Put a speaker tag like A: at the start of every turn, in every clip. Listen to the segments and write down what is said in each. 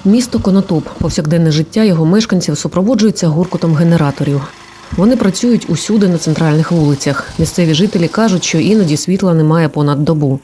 A: Місто Конотоп. Повсякденне життя його мешканців супроводжується гуркотом генераторів. Вони працюють усюди на центральних вулицях. Місцеві жителі кажуть, що іноді світла немає понад добу.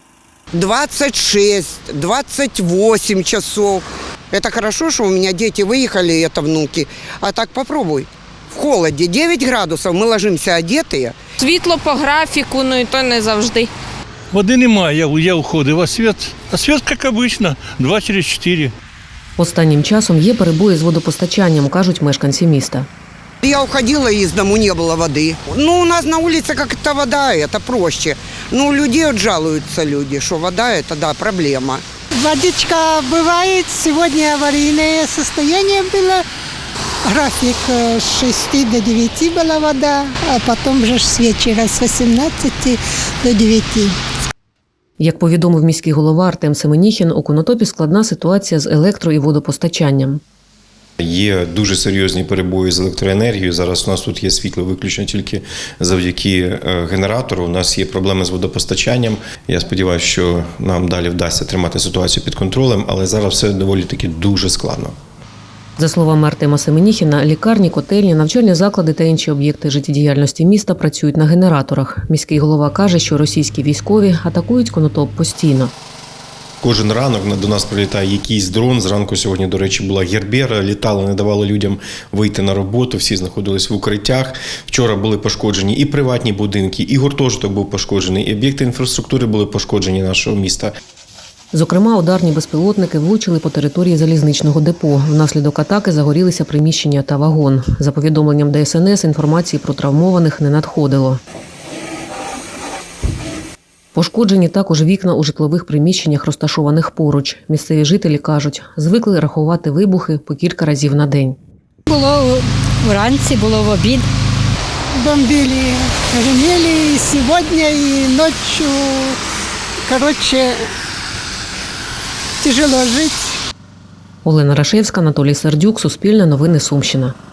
B: 26-28 часов. Это хорошо, что у меня дети выехали, это внуки. А так попробуй. В холоді 9 градусів, ми ложимося одетые.
C: Світло по графіку, ну і то не завжди.
D: Води немає, я уходив, а світ, як обично, 2 через 4.
A: Останнім часом є перебої з водопостачанням, кажуть мешканці міста.
B: Я уходила из дому, не было воды. Ну, у нас на улице как-то вода, это проще. Ну, людей вот жалуются люди, что вода – это, да, проблема.
E: Водичка бывает, сегодня аварийное состояние было. График с 6 до 9 была вода, а потом же с вечера с 18 до 9.
A: Як повідомив міський голова Артем Семеніхін, у Конотопі складна ситуація з електро- і водопостачанням.
F: Є дуже серйозні перебої з електроенергією. Зараз у нас тут є світло виключно тільки завдяки генератору. У нас є проблеми з водопостачанням. Я сподіваюся, що нам далі вдасться тримати ситуацію під контролем, але зараз все доволі таки дуже складно.
A: За словами Артема Семеніхіна, лікарні, котельні, навчальні заклади та інші об'єкти життєдіяльності міста працюють на генераторах. Міський голова каже, що російські військові атакують Конотоп постійно.
F: Кожен ранок до нас прилітає якийсь дрон. Зранку сьогодні, до речі, була Гербера, літали, не давали людям вийти на роботу, всі знаходились в укриттях. Вчора були пошкоджені і приватні будинки, і гуртожиток був пошкоджений, і об'єкти інфраструктури були пошкоджені нашого міста.
A: Зокрема, ударні безпілотники влучили по території залізничного депо. Внаслідок атаки загорілися приміщення та вагон. За повідомленням ДСНС, інформації про травмованих не надходило. Пошкоджені також вікна у житлових приміщеннях, розташованих поруч. Місцеві жителі кажуть, звикли рахувати вибухи по кілька разів на день.
G: Було вранці, було в обід.
E: Бомбили, гремели и сегодня, и ночью. Короче, тяжело жить.
A: Олена Рашевська, Анатолій Сердюк, Суспільне новини, Сумщина.